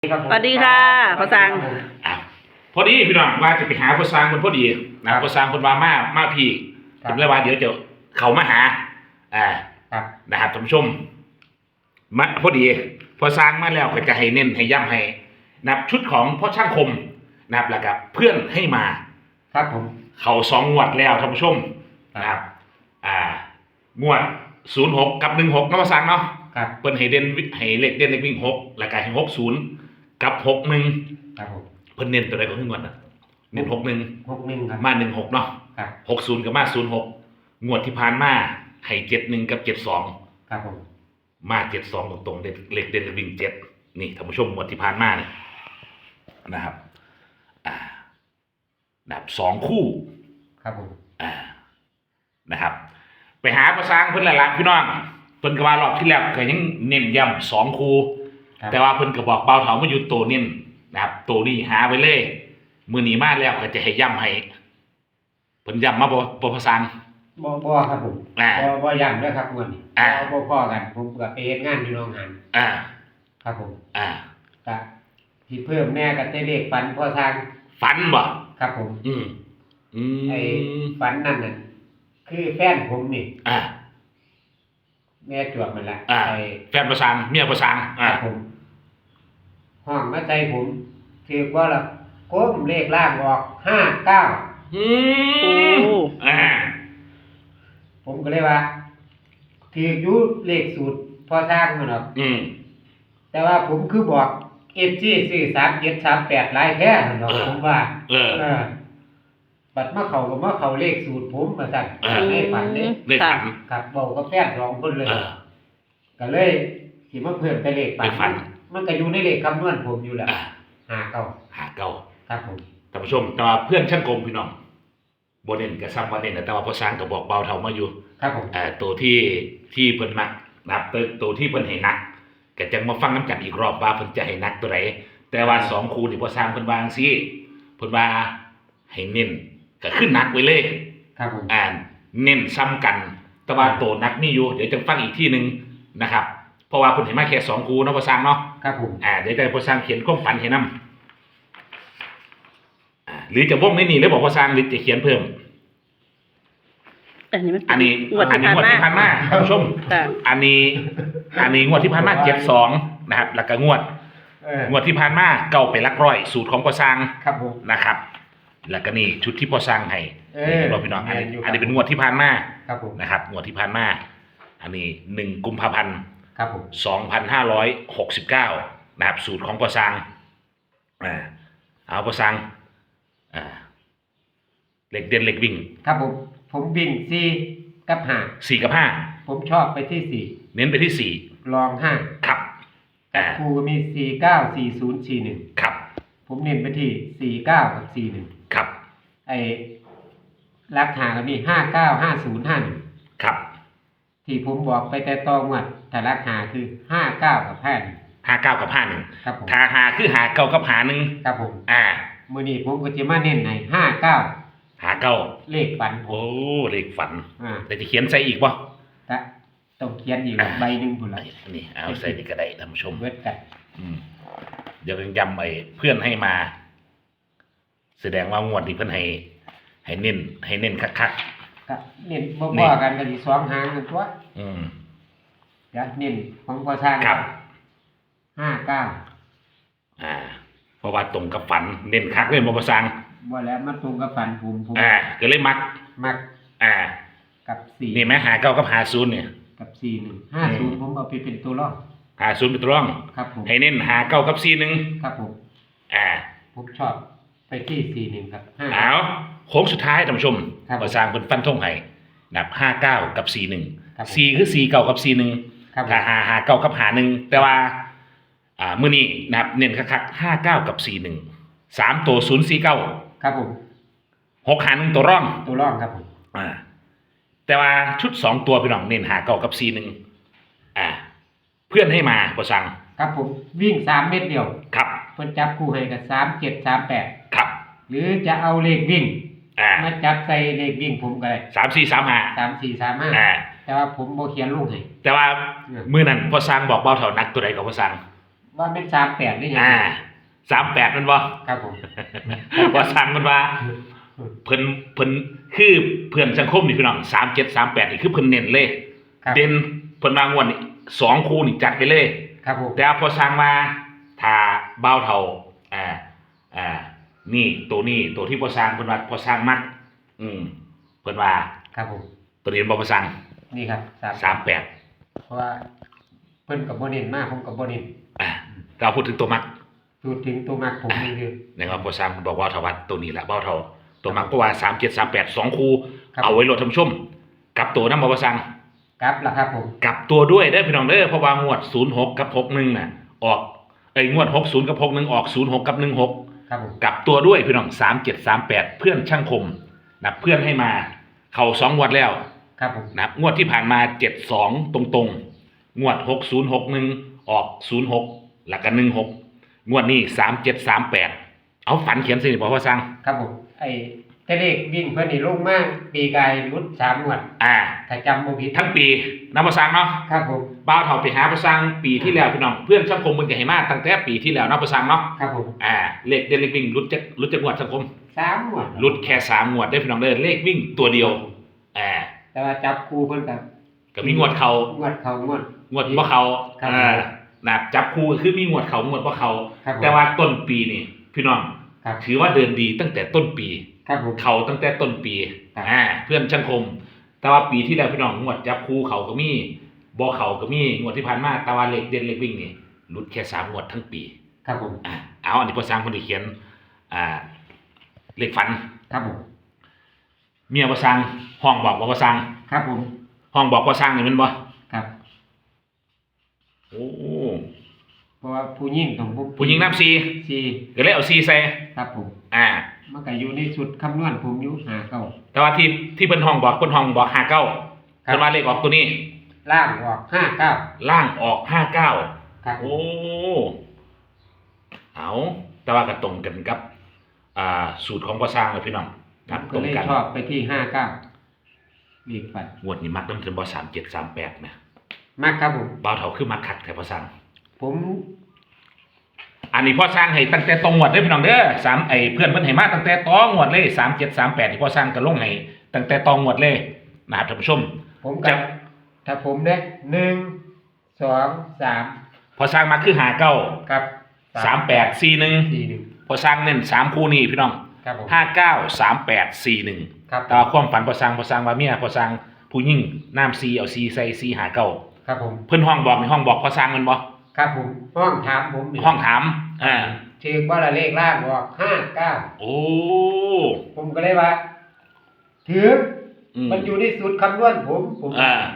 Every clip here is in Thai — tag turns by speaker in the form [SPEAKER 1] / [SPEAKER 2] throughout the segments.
[SPEAKER 1] สวัสดีค่ะพ่อสัง
[SPEAKER 2] อ่ะพอดีพี่น้องว่าจะไปหาพ่อสร้างคนพอดีนะพ่อสร้างคนมาพี่ผมเลยว่าเดี๋ยวจะเขามาหานะครับท่านผู้ชมมาพอดีพอสร้างมาแล้วก็จะให้เน้นให้ย้ำให้นับชุดของพ่อช่างคมนะครับแล้วก็เพื่อนให้มา
[SPEAKER 3] ครับผม
[SPEAKER 2] เขา2 งวดแล้วท่านผู้ชมนะครับงวด06กับ16เนาะพ่อสร้างเนาะเพิ่นให้เด่นให้เลขเด่นเลขวิ่ง6แล้วก็ให้60กับ61
[SPEAKER 3] ครับผม
[SPEAKER 2] เพิ่นเน้นตัวใดก็คืองวดน่ะเน้น
[SPEAKER 3] 61ครับ
[SPEAKER 2] มา16เนาะ
[SPEAKER 3] ครับ
[SPEAKER 2] 60กับมา06งวดที่ผ่านมาให้71กับ72
[SPEAKER 3] ครับผม
[SPEAKER 2] มา72ตรงๆเลขเด่นเลขวิ่ง7นี่ท่านผู้ชมงวดที่ผ่านมาเนี่ยนะครับแบบ2 คู่
[SPEAKER 3] ครับผม
[SPEAKER 2] นะครับไปหาภาษาเพิ่นละพี่น้องเพิ่นก็ว่ารอบที่แล้วก็ยังเน้นย้ำ2 คู่แต่ว่าเพิ่นก็บอกเบาเถามาอยู่ตัวเน้นนะครับตัวนี้หาไว้เลยมื้อนี้มาแล้วก็จะให้ย้ำให้เพิ่นย้ำมาบ่ภาษา
[SPEAKER 3] บ่ครับผมบ่ย้ำด้วยครับมื้อนี้บ่พอกันผมก็ไปเฮ็ดงานอยู่โรงงานครับผมก็ที่เพิ่มแน่ก็ได้เลขฝันพอทาง
[SPEAKER 2] ฝันบ่
[SPEAKER 3] ครับผมไอ้ฝันนั่นน่ะคือแฟนผมนี่แม่จวบมันละ
[SPEAKER 2] ไอ้แฟนประสานเมียประสาน
[SPEAKER 3] ครับผมห้องมาใจผมถือว่าละก้มเลขล่างออก59ผมก็เลยว่าถืออยู่เลขสูตรพอสร้างมันหรอกแต่ว่าผมคือบอกFG ซื้อ3738หลายแท้นั่นหรอกผมว่าบัดมาเข้าก็มาเข้าเลขสูตรผมว่าซั่นในฝันนี่ครับเว้ากับแฟน2 คนเลยก็เลยสิมาเพิ่มไปเลขฝันมันก็อยู่ในเลขคำนวณผมอยู่แหละ
[SPEAKER 2] 59
[SPEAKER 3] ครับผม
[SPEAKER 2] ท่านผู้ชมแต่ว่าเพื่อนช่างกลมพี่น้องบ่เน้นก็ซ้ำว่าเน้นแต่ว่าพอสร้างก็บอกเบาเท่ามาอยู่
[SPEAKER 3] ครับผม
[SPEAKER 2] ตัวที่เพิ่นมักนับตัวที่เพิ่นให้นักก็จังมาฟังน้ำกันอีกรอบว่าเพิ่นจะให้นักตัวใดแต่ว่า2 คู่นี่พอสร้างเพิ่นวาจังซี่เพิ่นว่าให้เน้นก็ขึ้นนักไว้เลย
[SPEAKER 3] ครับผม
[SPEAKER 2] เน้นซ้ำกันแต่ว่าตัวนักนี่อยู่เดี๋ยวจะฟังอีกที่นึงนะครับเพราะว่าเพิ่นให้มาแค่2 คู่เนาะพอสร้างเนาะ
[SPEAKER 3] ครับผม
[SPEAKER 2] เดี๋ยวจะพอสร้างเขียนความฝันให้นำหรือจะวงในนี่หรือบอกพอสร้างหรือจะเขียนเพิ่มอันนี้งวดที่ผ่านมาท่านผู้ชมอันนี้งวดที่ผ่านมา72นะครับแล้วก็งวดที่ผ่านมาเก่าไปหลักร้อยสูตรของพอสร้างนะครับแล้วก็นี่ชุดที่พอสร้างให้เราพี่น้องอันนี้เป็นงวดที่ผ่านมานะครับงวดที่ผ่านมาอันนี้1 กุมภาพันธ์2569นะครับสูตรของพอสร้างเอาพอสร้างเลขเด่นเลขวิ่ง
[SPEAKER 3] ครับผมวิ่ง4กับ5
[SPEAKER 2] 4กับ5
[SPEAKER 3] ผมชอบไปที่4
[SPEAKER 2] เน้นไปที่4
[SPEAKER 3] รอง5
[SPEAKER 2] ครับ
[SPEAKER 3] ครูมี49 40 41
[SPEAKER 2] ครับ
[SPEAKER 3] ผมเน้นไปที่49กับ41
[SPEAKER 2] ครับ
[SPEAKER 3] ไอ้ราคาก็มี59 50 51
[SPEAKER 2] ครับ
[SPEAKER 3] ที่ผมบอกไปแต่ตองวดแต่ราคาคือ59กับ
[SPEAKER 2] 59กับ51
[SPEAKER 3] ครับผม
[SPEAKER 2] ถ้า5คือ59กับ51
[SPEAKER 3] ครับผมมื้อนี้ผมก็จะมาเน้นให้59เลขฝัน
[SPEAKER 2] โอ้เลขฝันแต่จะเขียนใส่อีกบ่
[SPEAKER 3] ต้องเขียนอีกใบนึงพุ่นล่ะ
[SPEAKER 2] นี่เอาใส่นี่ก็ได้ท่านผู้ชม
[SPEAKER 3] เบิดกัน
[SPEAKER 2] เดี๋ยวย้ำไอ้เพื่อนให้มาแสดงว่างวดนี้เพิ่นให้เน้นคัก
[SPEAKER 3] ครับเน้นบ่พอกันก็สิ2หางนั่นตัวจะเน้นของพอสร้าง
[SPEAKER 2] ครับ
[SPEAKER 3] 59
[SPEAKER 2] เพราะว่าตรงกับฝันเน้นคักเลยบ่พอสร้าง
[SPEAKER 3] บ่แล้วมาตรงกับฝันผม
[SPEAKER 2] ก็เลยมัก
[SPEAKER 3] กับ4
[SPEAKER 2] นี่แม้59กับ50เนี่ย
[SPEAKER 3] กับ41 50ผมเอาไปเป็นตัวรอง
[SPEAKER 2] 50เป็นตัวรอง
[SPEAKER 3] ครับผม
[SPEAKER 2] ให้เน้น59กับ41
[SPEAKER 3] ครับผมผมชอบไปที่41ครับ
[SPEAKER 2] เอาโค้งสุดท้ายท่านผู้ชมพอสร้างเพิ่นฟันธงให้นับ59กับ41 4คือ49กับ41ถ้า59กับ51แต่ว่ามื้อนี้นะครับเน้นคักๆ59กับ41 3ตัว049
[SPEAKER 3] ครับผม
[SPEAKER 2] 651ตัวร่อง
[SPEAKER 3] ครับผม
[SPEAKER 2] แต่ว่าชุด2 ตัวพี่น้องเน้น59กับ41เพื่อนให้มาพอสั่ง
[SPEAKER 3] ครับผมวิ่ง3 เม็ดเดียว
[SPEAKER 2] ครับ
[SPEAKER 3] เพิ่นจับคู่ให้กับ37 38
[SPEAKER 2] ครับ
[SPEAKER 3] หรือจะเอาเลขวิ่งมาจับใส่เลขวิ่งผมก็ได้
[SPEAKER 2] 3435
[SPEAKER 3] แต่ว่าผมบ่เขียนลงให้
[SPEAKER 2] แต่ว่ามื้อนั้นพอสั่งบอกเบาเท่านักตัวใดก็พอสั่ง
[SPEAKER 3] ว่าเป็น38นี่ไง
[SPEAKER 2] 38มันบ่
[SPEAKER 3] ครับผม
[SPEAKER 2] ว่าสั่งมันว่าเพิ่นคือเพื่อนสังคมนี่พี่น้อง3738นี่คือเพิ่นเน้นเลย
[SPEAKER 3] ครับ
[SPEAKER 2] เด่นเพิ่นวางงวดนี่2คู่นี่จัดไปเลย
[SPEAKER 3] ครับผม
[SPEAKER 2] แต่พอสั่งมาถ้าเบาเท่านี่ตัวนี้ตัวที่พอสั่งเพิ่นว่าพอสั่งมักเพิ่นว่า
[SPEAKER 3] ครับผม
[SPEAKER 2] ตัวนี้บ่พอสั่ง
[SPEAKER 3] นี่ครับ
[SPEAKER 2] 38
[SPEAKER 3] เพราะว่าเพิ่นกับบ่เน้นมากผมกับบ่เน้น
[SPEAKER 2] เราพูดถึงตัวมัก
[SPEAKER 3] พูดถึงตัวมักผมนี่คือ
[SPEAKER 2] นะครับพอสั่งบอกว่าเท่าวัดตัวนี้แหละเบาเท่าตัวมักก็ว่า3738 2คู่
[SPEAKER 3] ครับ
[SPEAKER 2] เอาไว้โหลดท่านผู้ชมกลับตัวนำบ่พอสั่ง
[SPEAKER 3] ครับล่ะครับผม
[SPEAKER 2] กลับตัวด้วยได้อพี่น้องเด้อเพราะว่างวด06กับ61น่ะออกงวด60กับ61ออก06กับ16
[SPEAKER 3] ครับผม
[SPEAKER 2] กลับตัวด้วยพี่น้อง3738เพื่อนช่างคมนะเพื่อนให้มาเข้า2งวดแล้ว
[SPEAKER 3] ครับผม
[SPEAKER 2] นะงวดที่ผ่านมา72ตรงๆงวด6061ออก06แล้วก็16งวดนี้3738เอาฝันเขียนสิบ่พอสั่ง
[SPEAKER 3] ครับผมแต่เลขวิ่งเพิ่นนี่ลงมากปีกายรุด3งวดถ้าจำบ่ผิด
[SPEAKER 2] ทั้งปีนำพอสั่งเนาะ
[SPEAKER 3] ครับผม
[SPEAKER 2] บ่าวเฒ่าไปหาพอสั่งปีที่แล้วพี่น้องเพื่อนช่างคมเพิ่นก็ให้มาตั้งแต่ปีที่แล้วนำพอสั่งเนาะ
[SPEAKER 3] ครับผม
[SPEAKER 2] เลขเด่นเลขวิ่งรุดจักงวดสังคม
[SPEAKER 3] 3งวด
[SPEAKER 2] รุดแค่3งวดได้อพี่น้องเด้อเลขวิ่งตัวเดียว
[SPEAKER 3] แต่ว่าจับคู่เพิ่น
[SPEAKER 2] ก็มีงวดเขา
[SPEAKER 3] งวด
[SPEAKER 2] บ่เขา
[SPEAKER 3] ครับ
[SPEAKER 2] นะจับคู่คือมีงวดเขางวดบ่เขา
[SPEAKER 3] ครับผม
[SPEAKER 2] แต่ว่าต้นปีนี่พี่น้อง
[SPEAKER 3] ครับ
[SPEAKER 2] ถือว่าเดินดีตั้งแต่ต้นปี
[SPEAKER 3] ครับผม
[SPEAKER 2] เขาตั้งแต่ต้นปี
[SPEAKER 3] ครับ
[SPEAKER 2] เพื่อนช่างคม แต่ว่าปีที่แล้วพี่น้องงวดจับคู่เขาก็มีบ่เขาก็มีงวดที่ผ่านมาแต่ว่าเลขเด่นเลขวิ่งนี่หลุดแค่3งวดทั้งปี
[SPEAKER 3] ครับผม
[SPEAKER 2] เอาอันนี้พอสร้างคนที่เขียนเลขฝัน
[SPEAKER 3] ครับผม
[SPEAKER 2] เมียพอสร้างห้องบอกว่าพอสร้าง
[SPEAKER 3] ครับผม
[SPEAKER 2] ห้องบอกพอสร้างนี่แม่นบ่
[SPEAKER 3] ครับ
[SPEAKER 2] โอ้
[SPEAKER 3] เพราะว่าผู้หญิงต้อง
[SPEAKER 2] ผู้หญิงนับ4
[SPEAKER 3] 4
[SPEAKER 2] ก็เลยเอา4ใส่
[SPEAKER 3] ครับผม มันก็อยู่ในชุดคำนวณผมอยู่59
[SPEAKER 2] แต่ว่าที่เพิ่นห้องบอก59
[SPEAKER 3] ครับ
[SPEAKER 2] เพิ่นว่าเลขออกตัวนี้
[SPEAKER 3] ล่างออก59
[SPEAKER 2] ล่างออก59
[SPEAKER 3] ครับ
[SPEAKER 2] โอ้เอาแต่ว่าก็ตรงกันกับสูตรของพ่อสร้างเลยพี่น้องครับ
[SPEAKER 3] ก็
[SPEAKER 2] ตรง
[SPEAKER 3] เลย
[SPEAKER 2] กัน
[SPEAKER 3] ชอบไปที่59เลขฝัน
[SPEAKER 2] งวดนี้มักต้องถึงบ่3738นะ
[SPEAKER 3] มากครับผม
[SPEAKER 2] บ่าวเฒ่าคือมักคักแต่พ่อสร้าง
[SPEAKER 3] ผม
[SPEAKER 2] อันนี้พ่อสร้างให้ตั้งแต่ตรงงวดเด้อพี่น้องเด้อเพื่อนเพิ่นให้มาตั้งแต่ตองวดเลย3738ที่พ่อสร้างก็ลงให้ตั้งแต่ตองวดเลยนะครับท่านผู้ชม
[SPEAKER 3] ผมกับถ้าผมเนี่ย1 2 3
[SPEAKER 2] พ่อสร้างมาคือ59
[SPEAKER 3] ครับ
[SPEAKER 2] 3841 พอสร้างเน้น3คู่นี้พี่น้อง
[SPEAKER 3] ครับผม
[SPEAKER 2] 593841
[SPEAKER 3] ครับ
[SPEAKER 2] แต่ว่าความฝันพอสร้างว่าเมียพอสร้างผู้หญิงน้ำซีเอาซีใส่4 59
[SPEAKER 3] ครับผม
[SPEAKER 2] เพิ่นห้องบอกในห้องบอกพอสร้างมันบ่
[SPEAKER 3] ครับผมห้องถามผมนี่
[SPEAKER 2] ห้องถาม
[SPEAKER 3] ถือว่าละเลขล่างออก59
[SPEAKER 2] โอ้
[SPEAKER 3] ผมก็เลยว่าถือมันอยู่ในสูตรคำนวณผม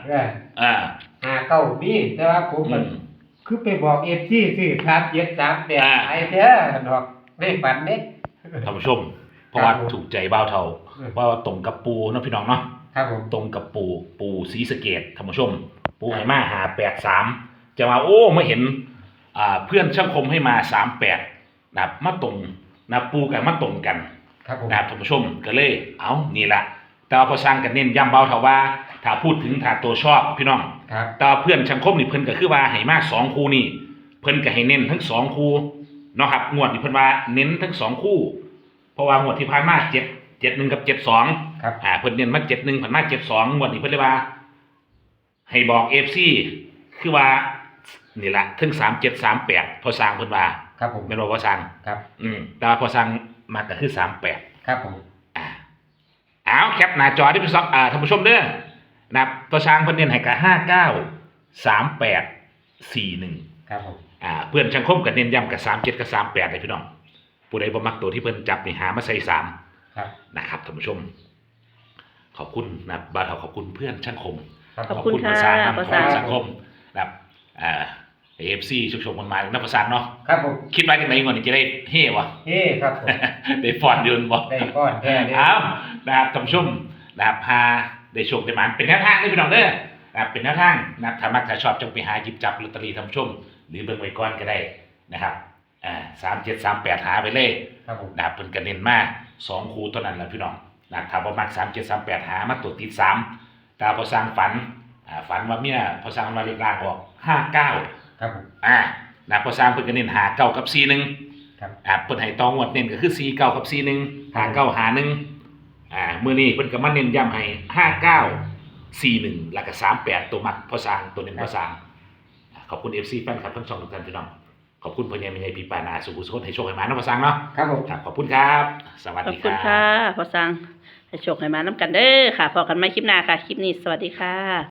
[SPEAKER 3] 59มีแต่ว่าผมมันคือไปบอก FC ซื้อ3738ไอ้แท้ดอกในฝันเด้
[SPEAKER 2] ท่านผู้ชมเพราะว่า
[SPEAKER 3] ครับผม
[SPEAKER 2] ถูกใจบ่าวเฒ่าเพราะว่าตรงกับปูเนาะพี่น้องเนาะ
[SPEAKER 3] ครับผม
[SPEAKER 2] ตรงกับปูศรีสะเกษท่านผู้ชม ปูให้มา583จะมาโอ้มาเห็นเพื่อนช่างคมให้มา38นะครับมาตรงนะปูกันมาตรงกัน
[SPEAKER 3] ครับผม
[SPEAKER 2] นะครับท่านผู้ชมก็เลยเอานี่ละแต่ว่าพอสร้างกันเน้นย้ำเบาเท่าว่าถ้าพูดถึงถ้าตัวชอบพี่น้อง
[SPEAKER 3] ครับ
[SPEAKER 2] แต่ว่าเพื่อนช่างคมนี่เพิ่นก็คือว่าให้มา2คู่นี่เพิ่นก็ให้เน้นทั้ง2คู่เนาะครับงวดนี่เพิ่นว่าเน้นทั้ง2คู่เพราะว่างวดที่ผ่านมา71กับ72
[SPEAKER 3] ครับ
[SPEAKER 2] เพิ่นเน้นมา71ผ่านมา72งวดนี้เพิ่นเลยว่า ให้บอก FC คือว่านี่ล่ะถึง3738พอสร้างเพิ่นว่า
[SPEAKER 3] ครับผม
[SPEAKER 2] แม่นบ่พอสร้าง
[SPEAKER 3] ครับ
[SPEAKER 2] แต่ว่าพอสร้างมาก็คือ38
[SPEAKER 3] ครับผม
[SPEAKER 2] เอาแคปหน้าจอที่พี่ท่านผู้ชมเด้อนะครับตัวช้างเพิ่นเน้นให้กับ583841
[SPEAKER 3] ครับผม
[SPEAKER 2] เพื่อนช่างคมก็เน้นย้ำกับ37กับ38เลยพี่น้องผู้ใดบ่มักตัวที่เพิ่นจับนี่หามาใส่3
[SPEAKER 3] ครับ
[SPEAKER 2] นะครับท่านผู้ชม ขอบคุณนะครับบ่าวเฒ่าขอบคุณเพื่อนช่างคม
[SPEAKER 1] ขอบคุณค่ะ
[SPEAKER 2] ภาษา
[SPEAKER 1] ภาษา
[SPEAKER 2] สังคมนะครับAFC ชุกๆมันมานักภาษาเนาะ
[SPEAKER 3] ครับผม
[SPEAKER 2] คิดว่าจังได๋ก่อนนี่จะได้เฮ้วะ
[SPEAKER 3] เฮ้ครับผม
[SPEAKER 2] ได้ฟอนเดือนบ่
[SPEAKER 3] ได้ก้อนแท้เลย
[SPEAKER 2] อ้าวนะครับท่านผู้ชมนะครับพาได้โชคได้หมานเป็นแนวทางได้พี่น้องเด้อนะครับเป็นแนวทางนะครับถ้ามักถ้าชอบจงไปหาหยิบจับลอตเตอรี่ท่านผู้ชม หรือเบิ่งไว้ก่อนก็ได้นะครับ3738หาไปเลย
[SPEAKER 3] ครับผม
[SPEAKER 2] นะครับเพิ่นก็เน้นมา2คู่เท่านั้นแหละพี่น้องนะครับถ้าบ่มัก3738หามาตัวติด3แต่พอสร้างฝันว่าเมียพอสร้างมาเลขล่างออก59
[SPEAKER 3] ครับผม
[SPEAKER 2] นะพอสร้างเพิ่นก็เน้นหาเก้ากับ4-1
[SPEAKER 3] ครับ
[SPEAKER 2] เพิ่นให้ตองวดเน้นก็คือ4-9กับ4-1หาเก้าหา1มื้อนี้เพิ่นก็มาเน้นย้ำให้5941แล้วก็38ตัวมักพอสร้างตัวเน้นพอสร้างขอบคุณ FC แฟนคลับทั้งช่องทุกท่านพี่น้องขอบคุณพ่อใหญ่แม่ใหญ่พี่ปานาสุขุสุขให้โชคให้มาเนาะพอสร้างเนาะ
[SPEAKER 3] ครับผม
[SPEAKER 2] ครับขอบคุณครับ สวัส
[SPEAKER 1] ขอบ
[SPEAKER 2] ดีค
[SPEAKER 1] คุณ
[SPEAKER 2] รับ
[SPEAKER 1] ค่ะพอสั่งให้โชคให้มาน้ำกันเด้อค่ะพอกันไม่คลิปหน้าค่ะ คลิปนี้สวัสดีค่ะ